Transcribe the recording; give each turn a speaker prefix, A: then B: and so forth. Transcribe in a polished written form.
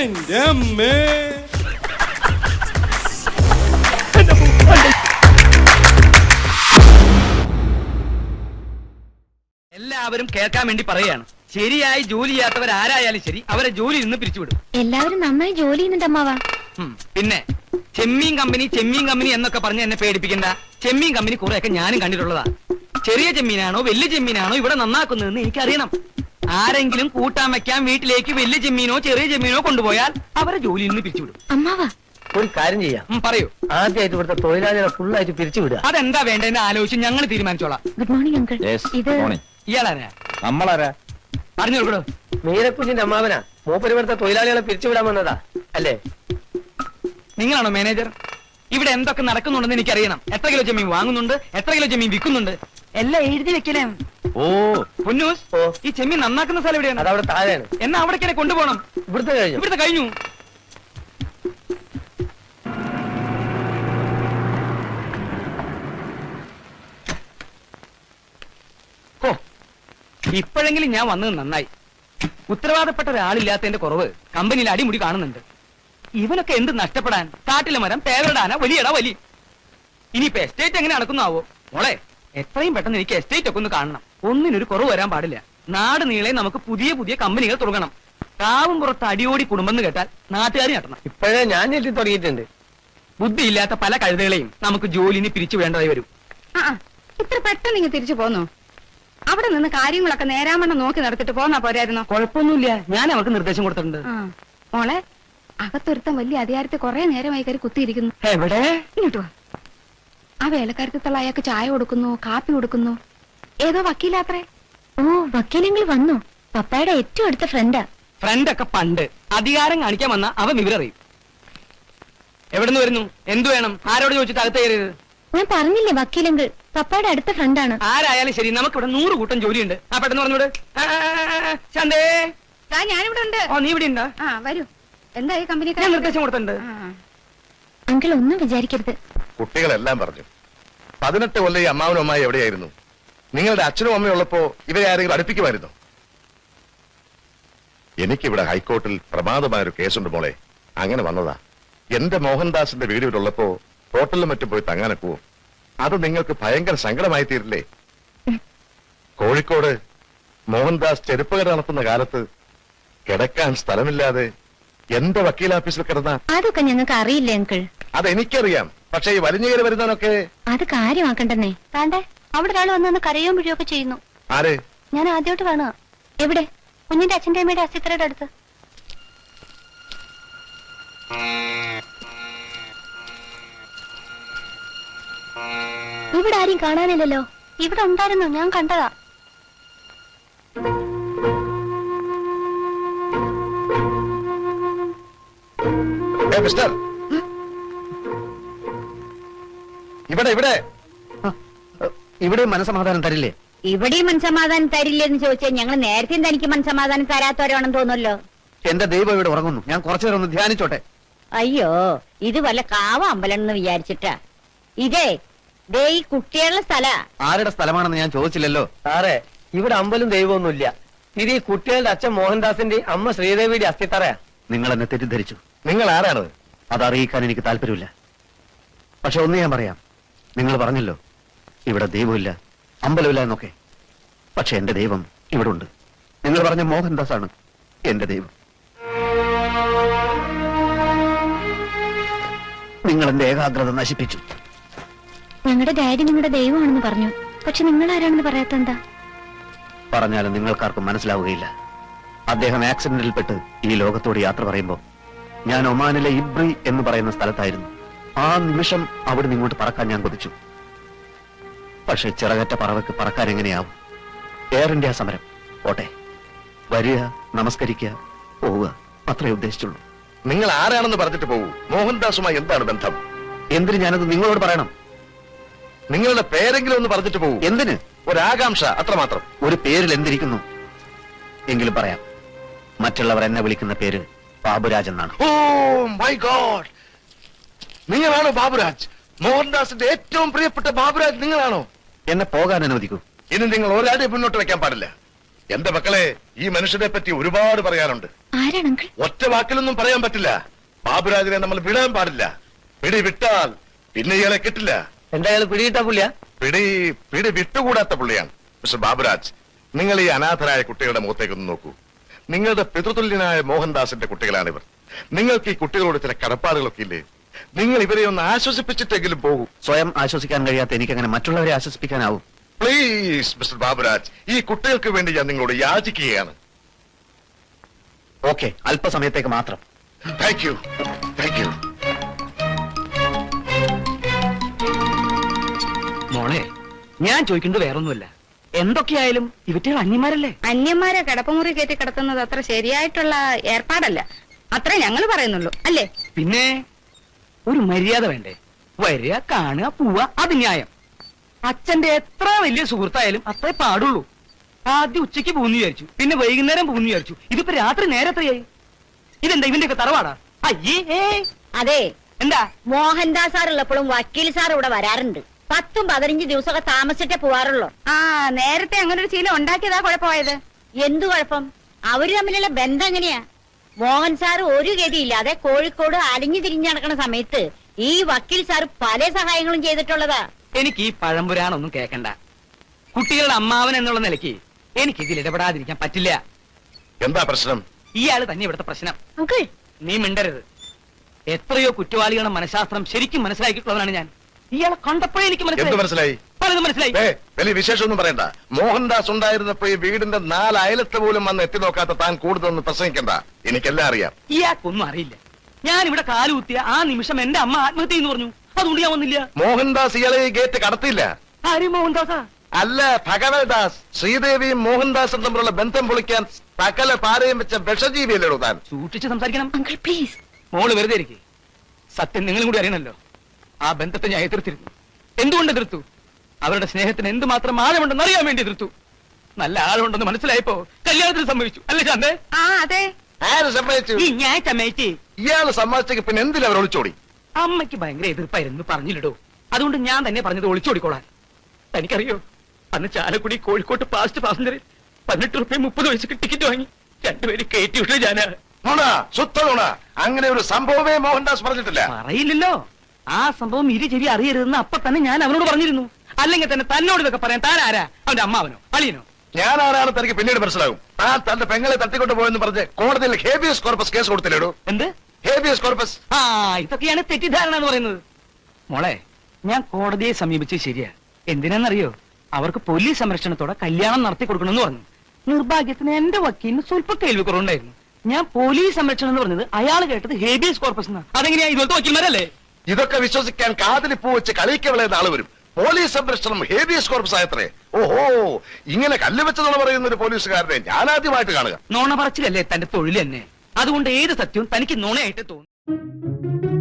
A: എന്റെ അമ്മേ.
B: എല്ലാവരും കേൾക്കാൻ വേണ്ടി പറയുകയാണ്. ശരിയായി ജോലി ചെയ്യാത്തവർ ആരായാലും ശരി അവരെ ജോലിയിൽ നിന്ന് പിരിച്ചുവിടും.
C: എല്ലാവരും നന്നായി ജോലി ചെയ്യുന്നുണ്ട് അമ്മാവാ.
B: പിന്നെ ചെമ്മീൻ കമ്പനി എന്നൊക്കെ പറഞ്ഞ് എന്നെ പേടിപ്പിക്കണ്ട. ചെമ്മീൻ കമ്പനി കുറെയൊക്കെ ഞാനും കണ്ടിട്ടുള്ളതാ. ചെറിയ ചെമ്മീനാണോ വലിയ ചെമ്മീനാണോ ഇവിടെ നന്നാക്കുന്നതെന്ന് എനിക്കറിയണം. ആരെങ്കിലും കൂട്ടാൻ വെക്കാൻ വീട്ടിലേക്ക് വലിയ ചെമ്മീനോ ചെറിയ ചെമ്മീനോ കൊണ്ടുപോയാൽ അവരെ ജോലിയിൽ നിന്ന് പിരിച്ചുവിടും.
C: അമ്മാവാ
D: ഒരു കാര്യം ചെയ്യാം,
B: പറയൂ.
D: ആദ്യമായിട്ട് ഇവിടുത്തെ തൊഴിലാളികളെ ഫുള്ളായിട്ട് പിരിച്ചുവിടുക.
B: അതെന്താ വേണ്ടതെന്ന് ആലോചിച്ച് ഞങ്ങൾ തീരുമാനിച്ചോളാം.
C: Good morning uncle. ഇത്
B: ഇയാളാരാ?
E: നമ്മളാരാ?
B: പറഞ്ഞു കൊടുക്കടോ.
D: മീനക്കുഞ്ഞിന്റെ അമ്മാവനാ. മൂപ്പര് ഇവിടുത്തെ തൊഴിലാളികളെ പിരിച്ചുവിടാൻ വന്നതാ അല്ലേ?
B: നിങ്ങളാണോ മാനേജർ? ഇവിടെ എന്തൊക്കെ നടക്കുന്നുണ്ടെന്ന് എനിക്കറിയണം. എത്ര കിലോ ചെമ്മീൻ വാങ്ങുന്നുണ്ട്, എത്ര കിലോ ചെമ്മീൻ വിൽക്കുന്നുണ്ട്, എല്ലാം എഴുതി വെക്കലേ.
E: ഓ
B: പൊന്നൂസ്, ഈ ചെമ്മീൻ നന്നാക്കുന്ന സ്ഥലം എവിടെയാണ്?
D: അതവിടെ താഴെയാണ്.
B: എന്നാ അവിടേക്ക് കൊണ്ടുപോകണം.
D: ഇവിടുത്തെ
B: കഴിഞ്ഞു. ഓ, ഇപ്പോഴെങ്കിലും ഞാൻ വന്നത് നന്നായി. ഉത്തരവാദപ്പെട്ട ഒരാളില്ലാത്തതിന്റെ കുറവ് കമ്പനിയിൽ അടിമുടി കാണുന്നുണ്ട്. ഇവനൊക്കെ എന്ത് നഷ്ടപ്പെടാൻ? കാട്ടിലെ മരം പേവരടാന വലിയടാ വലി. ഇനിയിപ്പോ എസ്റ്റേറ്റ് എങ്ങനെ നടക്കുന്നാവോ? മോളെ, എത്രയും പെട്ടെന്ന് എനിക്ക് എസ്റ്റേറ്റ് ഒക്കെ ഒന്ന് കാണണം. ഒന്നിനൊരു കുറവ് വരാൻ പാടില്ല. നാട് നീളെ നമുക്ക് പുതിയ പുതിയ കമ്പനികൾ തുടങ്ങണം. കാവും പുറത്ത് അടിയോടി കുടുംബം കേട്ടാൽ നാട്ടുകാർ ഞെട്ടണം.
D: ഇപ്പോഴേ ഞാൻ ഞെട്ടി തുടങ്ങിയിട്ടുണ്ട്.
B: ബുദ്ധിയില്ലാത്ത പല കഴുതകളെയും നമുക്ക് ജോലിന് പിരിച്ചു വേണ്ടതായി വരും.
F: ഇത്ര പെട്ടെന്ന് ഇങ്ങ് തിരിച്ചു പോന്നു. അവിടെ നിന്ന് കാര്യങ്ങളൊക്കെ നേരാമണ്ണം നോക്കി നടത്തിട്ട് പോന്നാ പോരായിരുന്നോ?
B: കുഴപ്പമൊന്നുമില്ല, ഞാൻ അവർക്ക് നിർദ്ദേശം കൊടുത്തിട്ടുണ്ട്.
F: മോളെ, അകത്തൊരുത്തം വലിയ അധികാരത്തിൽ കുറെ നേരമായി കയറി കുത്തിയിരിക്കുന്നു.
B: എവിടെ?
F: ഇങ്ങോട്ട് വാ. ആ വേലക്കാരത്തിലുള്ള അയാൾക്ക് ചായ കൊടുക്കുന്നു, കാപ്പി കൊടുക്കുന്നു. ഏതോ വക്കീലാത്രേ.
C: ഓ, വക്കീലെങ്കിൽ വന്നു. പപ്പായുടെ ഏറ്റവും അടുത്ത ഫ്രണ്ടാ.
B: ഫ്രണ്ടൊക്കെ പണ്ട്. അധികാരം കാണിക്കാൻ വന്ന അവൻ വിവരറിയും. എവിടുന്ന് വരുന്നു? എന്തു വേണം? ആരോട് ചോദിച്ചിട്ട് അകത്ത് കയറിയത്?
C: ഞാൻ പറഞ്ഞില്ലേ വക്കീലെങ്കിൽ പപ്പായുടെ അടുത്ത ഫ്രണ്ടാണ്.
B: ആരായാലും ശരി, നമുക്കിവിടെ 100 കൂട്ടം ജോലിയുണ്ട്. ആ പെട്ടെന്ന് പറഞ്ഞോട്. ശാന്തേ,
F: ഞാനിവിടെ ഉണ്ട്.
B: ഓ, നീ ഇവിടെ ഉണ്ടാ?
F: വരൂ. എന്തായി കമ്പനി?
B: ഞാൻ നിർദ്ദേശം കൊടുത്തിട്ടുണ്ട്.
C: അങ്കിൾ ഒന്നും വിചാരിക്കരുത്.
E: കുട്ടികളെല്ലാം പറഞ്ഞു. 18 കൊല്ലം ഈ അമ്മാവനും അമ്മായി എവിടെയായിരുന്നു? നിങ്ങളുടെ അച്ഛനും അമ്മയും ഉള്ളപ്പോ ഇവരെ ആരെങ്കിലും അടുപ്പിക്കുമായിരുന്നു? എനിക്കിവിടെ ഹൈക്കോർട്ടിൽ പ്രമാദമായൊരു കേസുണ്ട് മോളെ. അങ്ങനെ വന്നതാ. എന്റെ മോഹൻദാസിന്റെ വീട് ഇവിടെ ഉള്ളപ്പോ ഹോട്ടലിലും മറ്റും പോയി തങ്ങാനൊക്കുവോ? അത് നിങ്ങൾക്ക് ഭയങ്കര സങ്കടമായി തീരില്ലേ? കോഴിക്കോട് മോഹൻദാസ് ചെരുപ്പുകട നടത്തുന്ന കാലത്ത് കിടക്കാൻ സ്ഥലമില്ലാതെ എന്റെ വക്കീലാഫീസിൽ കിടന്ന
C: അതൊക്കെ ഞങ്ങൾക്ക് അറിയില്ലേ അങ്കിൾ?
E: അതെനിക്കറിയാം. പക്ഷെ ഈ വലിഞ്ഞുകയറി വരുന്നവനൊക്കെ
C: അത് കാര്യമാക്കണ്ടെന്നേ. താണ്ടേ അവിടെ ഒരാൾ വന്നു കരയോ പിഴിയൊക്കെ ചെയ്യുന്നു.
E: ആര്?
C: ഞാൻ ആദ്യമായിട്ട് കാണുക. എവിടെ? കുഞ്ഞിന്റെ അച്ഛന്റെ അമ്മയുടെ അസിത്രയുടെ അടുത്ത്. ഇവിടെ ആരും കാണാനില്ലല്ലോ. ഇവിടെ ഉണ്ടായിരുന്നു, ഞാൻ കണ്ടതാ.
E: മിസ്റ്റർ, ഇവിടെ ഇവിടെ
D: ഇവിടെ മനസമാധാനം തരില്ലേ?
G: ഇവിടെയും മനസമാധാനം തരില്ലെന്ന് ചോദിച്ചാൽ ഞങ്ങൾ നേരത്തെ തനിക്ക് മനസമാധാനം തരാത്തവരാണെന്ന് തോന്നുമല്ലോ.
D: എന്റെ ദൈവം ഇവിടെ ഉറങ്ങുന്നു. ഞാൻ കുറച്ചു നേരം ഒന്ന് ധ്യാനിച്ചോട്ടെ.
G: അയ്യോ, ഇത് വല്ല കാവ അമ്പലം എന്ന് വിചാരിച്ചിട്ടാ. ഇതേ ദേ ഈ കുട്ടികളുടെ സ്ഥല.
D: ആരുടെ സ്ഥലമാണെന്ന് ഞാൻ ചോദിച്ചില്ലല്ലോ. സാറേ, ഇവിടെ അമ്പലം ദൈവമൊന്നുമില്ല. ഇത് ഈ കുട്ടികളുടെ അച്ഛൻ മോഹൻദാസിന്റെ അമ്മ ശ്രീദേവിയുടെ അസ്ഥിത്തറയാ. നിങ്ങൾ എന്നെ തെറ്റിദ്ധരിച്ചു.
E: നിങ്ങൾ ആരാണത്?
D: അത് അറിയിക്കാൻ എനിക്ക് താല്പര്യമില്ല. പക്ഷെ ഒന്ന് ഞാൻ പറയാം. നിങ്ങൾ പറഞ്ഞല്ലോ ഇവിടെ ദൈവമില്ല, അമ്പലമില്ല എന്നൊക്കെ. പക്ഷെ എന്റെ ദൈവം ഇവിടെ ഉണ്ട്. നിങ്ങൾ പറഞ്ഞ മോഹൻദാസ് ആണ് എന്റെ ദൈവം. നിങ്ങൾ എന്റെ ഏകാഗ്രത നശിപ്പിച്ചു.
C: ഞങ്ങളുടെ ഡാഡി നിങ്ങളുടെ ദൈവമാണെന്ന് പറഞ്ഞു. പക്ഷെ നിങ്ങൾ ആരാണെന്ന് പറയാത്ത എന്താ?
D: പറഞ്ഞാലും നിങ്ങൾക്കാർക്കും മനസ്സിലാവുകയില്ല. അദ്ദേഹം ആക്സിഡന്റിൽപ്പെട്ട് ഈ ലോകത്തോട് യാത്ര പറയുമ്പോൾ ഞാൻ ഒമാനിലെ ഇബ്രി എന്ന് പറയുന്ന സ്ഥലത്തായിരുന്നു. ആ നിമിഷം അവിടെ ഇങ്ങോട്ട് പറക്കാൻ ഞാൻ കൊതിച്ചു. പക്ഷെ ചിറകറ്റ പറവയ്ക്ക് പറക്കാൻ എങ്ങനെയാവും? എയർ ഇന്ത്യ സമരം. പോട്ടെ, വരിക, നമസ്കരിക്കുക, പോവുക, അത്രേ ഉദ്ദേശിച്ചുള്ളൂ.
E: നിങ്ങൾ ആരാണെന്ന് പറഞ്ഞിട്ട് പോകൂ. മോഹൻദാസുമായി എന്താണ് ബന്ധം?
D: എന്തിന് ഞാനത് നിങ്ങളോട് പറയണം?
E: നിങ്ങളുടെ പേരെങ്കിലും ഒന്ന് പറഞ്ഞിട്ട് പോകൂ.
D: എന്തിന്?
E: ഒരാകാംക്ഷ, അത്രമാത്രം.
D: ഒരു പേരിൽ എന്തിരിക്കുന്നു? എങ്കിലും പറയാം. മറ്റുള്ളവർ എന്നെ വിളിക്കുന്ന പേര് ബാബുരാജ് എന്നാണ്.
E: ഓ മൈ ഗോഡ്, നിങ്ങളാണോ ബാബുരാജ്? മോഹൻദാസിന്റെ ഏറ്റവും പ്രിയപ്പെട്ട ബാബുരാജ് നിങ്ങളാണോ?
D: എന്നെ പോകാൻ അനുവദിക്കൂ.
E: ഇനി നിങ്ങൾ ഒരാളെ മുന്നോട്ട് വെക്കാൻ പാടില്ല. എന്റെ മക്കളെ, ഈ മനുഷ്യനെ പറ്റി ഒരുപാട് പറയാനുണ്ട്.
C: ആരാണ് അങ്കിൾ?
E: ഒറ്റ വാക്കിലൊന്നും പറയാൻ പറ്റില്ല. ബാബുരാജിനെ നമ്മൾ വിടാൻ പാടില്ല. പിടി വിട്ടാൽ പിന്നെ ഇയാളെ കിട്ടില്ല.
B: എന്തായാലും പിടികിട്ടാ പുള്ളിയാ?
E: പിടി വിട്ടുകൂടാത്ത പുള്ളിയാണ്. മിസ്റ്റർ ബാബുരാജ്, നിങ്ങൾ ഈ അനാഥരായ കുട്ടികളുടെ മുഖത്തേക്കൊന്ന് നോക്കൂ. നിങ്ങളുടെ പിതൃതുല്യനായ മോഹൻദാസിന്റെ കുട്ടികളാണിവർ. നിങ്ങൾക്ക് ഈ കുട്ടികളോട് ചില കടപ്പാടുകളൊക്കെ ഇല്ലേ? നിങ്ങൾ ഇവരെ ഒന്ന് ആശ്വസിപ്പിച്ചിട്ടെങ്കിലും പോകൂ.
D: സ്വയം ആശ്വസിക്കാൻ കഴിയാത്ത എനിക്കങ്ങനെ മറ്റുള്ളവരെ ആശ്വസിപ്പിക്കാനാവും?
E: പ്ലീസ് മിസ്റ്റർ ബാബുരാജ്, ഈ കുട്ടികൾക്ക് വേണ്ടി ഞാൻ നിങ്ങളോട് യാചിക്കുകയാണ്.
D: ഓക്കെ, അല്പസമയത്തേക്ക് മാത്രം.
E: Thank you.
B: മോളെ, ഞാൻ ചോദിക്കുന്നത് വേറൊന്നുമില്ല. എന്തൊക്കെയായാലും ഇവറ്റകൾ അന്യന്മാരല്ലേ?
F: അന്യന്മാരെ കിടപ്പുമുറി കയറ്റി കിടത്തുന്നത് അത്ര ശരിയായിട്ടുള്ള ഏർപ്പാടല്ല. അത്രേ ഞങ്ങൾ പറയുന്നുള്ളൂ, അല്ലേ?
B: പിന്നെ ഒരു മര്യാദ വേണ്ടേ? വരിക, കാണുക, പോവുക, അത് ന്യായം. അച്ഛന്റെ എത്ര വലിയ സുഹൃത്തായാലും അത്രേ പാടുള്ളൂ. ആദ്യം ഉച്ചയ്ക്ക് പോകുന്നു വിചാരിച്ചു, പിന്നെ വൈകുന്നേരം പോകുന്നു വിചാരിച്ചു. ഇതിപ്പോ രാത്രി നേരത്തെയായി. ഇതെന്താ ഇവന്റെ ഒക്കെ തറവാടാ? അയ്യേ.
G: അതെ,
B: എന്താ?
G: മോഹൻദാസ് സാർ ഉള്ളപ്പോഴും വക്കീൽ സാർ ഇവിടെ വരാറുണ്ട്. 10-15 ദിവസമൊക്കെ താമസിച്ചിട്ടേ പോവാറുള്ളൂ.
F: ആ, നേരത്തെ അങ്ങനെ ഒരു ശീലം ഉണ്ടാക്കിയതാ കുഴപ്പമായത്.
G: എന്തു കുഴപ്പം? അവര് തമ്മിലുള്ള ബന്ധം എങ്ങനെയാ? മോഹൻ സാർ ഒരു ഗതിയില്ലാതെ കോഴിക്കോട് അലിഞ്ഞു തിരിഞ്ഞു നടക്കുന്ന സമയത്ത് ഈ വക്കീൽ സാർ പല സഹായങ്ങളും ചെയ്തിട്ടുള്ളതാ.
B: എനിക്ക് ഈ പഴംപുരാണൊന്നും കേക്കണ്ട. കുട്ടികളുടെ അമ്മാവൻ എന്നുള്ള നിലയ്ക്ക് എനിക്ക് ഇതിൽ ഇടപെടാതിരിക്കാൻ പറ്റില്ല.
E: എന്താ പ്രശ്നം?
B: ഇയാള് തന്നെ ഇവിടുത്തെ പ്രശ്നം.
G: അങ്കിൾ,
B: നീ മിണ്ടരുത്. എത്രയോ കുറ്റവാളികളുടെ മനഃശാസ്ത്രം ശരിക്കും മനസ്സിലാക്കിയിട്ടുള്ളവനാണ് ഞാൻ. ഇയാളെ കണ്ടപ്പോഴേ എനിക്ക്
E: എന്ത് മനസ്സിലായി?
B: പലതും മനസ്സിലായി.
E: വലിയ വിശേഷമൊന്നും പറയണ്ട. മോഹൻദാസ് ഉണ്ടായിരുന്നപ്പോ ഈ വീടിന്റെ 4 അയലത്ത് പോലും വന്ന് എത്തി നോക്കാത്ത താൻ കൂടുതലൊന്നും പ്രസംഗിക്കണ്ട. എനിക്കെല്ലാം അറിയാം.
B: ഇയാൾക്കൊന്നും അറിയില്ല. ഞാൻ ഇവിടെ കാലുകുത്തിയ ആ നിമിഷം എന്റെ അമ്മ ആത്മഹത്യ എന്ന് പറഞ്ഞു. അതുകൊണ്ട് ഞാൻ വന്നില്ല.
E: മോഹൻദാസ് ഇയാളെ ഈ ഗേറ്റ് കടത്തിയില്ല.
B: ആരും മോഹൻദാസാ?
E: അല്ല, ഭഗവൽദാസ്. ശ്രീദേവിയും മോഹൻദാസും തമ്മിലുള്ള ബന്ധം പൊളിക്കാൻ സകല പാരയും വെച്ച വിഷജീവിയല്ലേടോ താൻ.
B: സൂക്ഷിച്ച് സംസാരിക്കണം.
C: Uncle please.
B: മോള് വെറുതെ ഇരിക്കെ. സത്യം നിങ്ങളും കൂടി അറിയണല്ലോ. ആ ബന്ധത്തെ ഞാൻ എതിർത്തിരുന്നു. എന്തുകൊണ്ട് എതിർത്തു? അവരുടെ സ്നേഹത്തിന് എന്തുമാത്രം ആഴമുണ്ടെന്ന് അറിയാൻ വേണ്ടി എതിർത്തു. നല്ല ആഴമുണ്ടെന്ന് മനസ്സിലായപ്പോ കല്യാണത്തിന് സമ്മതിച്ചു. അല്ലേ ശാന്തേ?
F: ആ, അതെ.
E: ആര് സമ്മതിച്ചു?
B: ഈ ഞാൻ സമ്മതിച്ചേ.
E: ഇയാള് സമ്മതിച്ചെങ്കിൽ പിന്നെ എന്തിനാ അവർ ഒളിച്ചോടി?
B: അമ്മയ്ക്ക് ഭയങ്കര എതിർപ്പായിരുന്നു, പറഞ്ഞില്ലടോ. അതുകൊണ്ട് ഞാൻ തന്നെ പറഞ്ഞത് ഒളിച്ചോടിക്കോളാൻ. തനിക്കറിയോ, അന്ന് ചാലക്കുടി കോഴിക്കോട്ട് പാസ്റ്റ് പാസഞ്ചറിൽ 18 രൂപ 30 പൈസക്ക് ടിക്കറ്റ് വാങ്ങി 2 പേര് കയറ്റി വിട്ടു ഞാന്.
E: നുണ, ശുദ്ധ നുണ. അങ്ങനെ ഒരു സംഭവമേ മോഹൻദാസ് പറഞ്ഞിട്ടില്ല.
B: പറയില്ലല്ലോ. ആ സംഭവം ചെവി അറിയരുതെന്ന് അപ്പൊ തന്നെ ഞാൻ അവനോട് പറഞ്ഞിരുന്നു. അല്ലെങ്കിൽ തന്നെ തന്നോട് ഇതൊക്കെ പറയാൻ താൻ ആരാ? അവന്റെ അമ്മാവനോ അളിയനോ?
E: ഞാൻ ആരാണ് തനിക്ക് പിന്നീട് മനസ്സിലാകും. താൻ തന്റെ പെങ്ങളെ തട്ടിക്കൊണ്ടു പോയെന്ന് പറഞ്ഞ് കോടതിയിൽ ഹേബിയസ് കോർപ്പസ് കേസ് കൊടുത്തില്ലേടൂ?
B: എന്ത്
E: ഹേബിയസ് കോർപ്പസ്?
B: ആ, ഇതൊക്കെയാണ് തെറ്റിദ്ധാരണ എന്ന് പറയുന്നത്. മോളെ, ഞാൻ കോടതിയെ സമീപിച്ചത് ശരിയാ. എന്തിനാന്നറിയോ? അവർക്ക് പോലീസ് സംരക്ഷണത്തോടെ കല്യാണം നടത്തി കൊടുക്കണമെന്ന് പറഞ്ഞു. നിർഭാഗ്യത്തിന് എന്റെ വക്കീലിന് സ്വല്പം കേൾവി കുറവുണ്ടായിരുന്നു. ഞാൻ പോലീസ് സംരക്ഷണം എന്ന് പറഞ്ഞത് അയാൾ കേട്ടത് ഹേബിയസ് കോർപ്പസ് എന്നാ. അതെങ്ങനെയാ? ഇതുപോലത്തെ വക്കീൽമാരല്ലേ?
E: ഇതൊക്കെ വിശ്വസിക്കാൻ കാതിലി പൂ വെച്ച് കളിക്കവളെ ആള് വരും. പോലീസ് സംരക്ഷണം ഹേബിയസ് കോർപ്പസ് ആയത്രേ. ഓഹോ, ഇങ്ങനെ കല്ല് വെച്ചതെന്ന് പറയുന്ന ഒരു പോലീസുകാരനെ ഞാൻ ആദ്യമായിട്ട് കാണുക.
B: നോണ പറച്ചിലല്ലേ തന്റെ തൊഴിൽ തന്നെ. അതുകൊണ്ട് ഏത് സത്യവും തനിക്ക് നോണയായിട്ട് തോന്നും.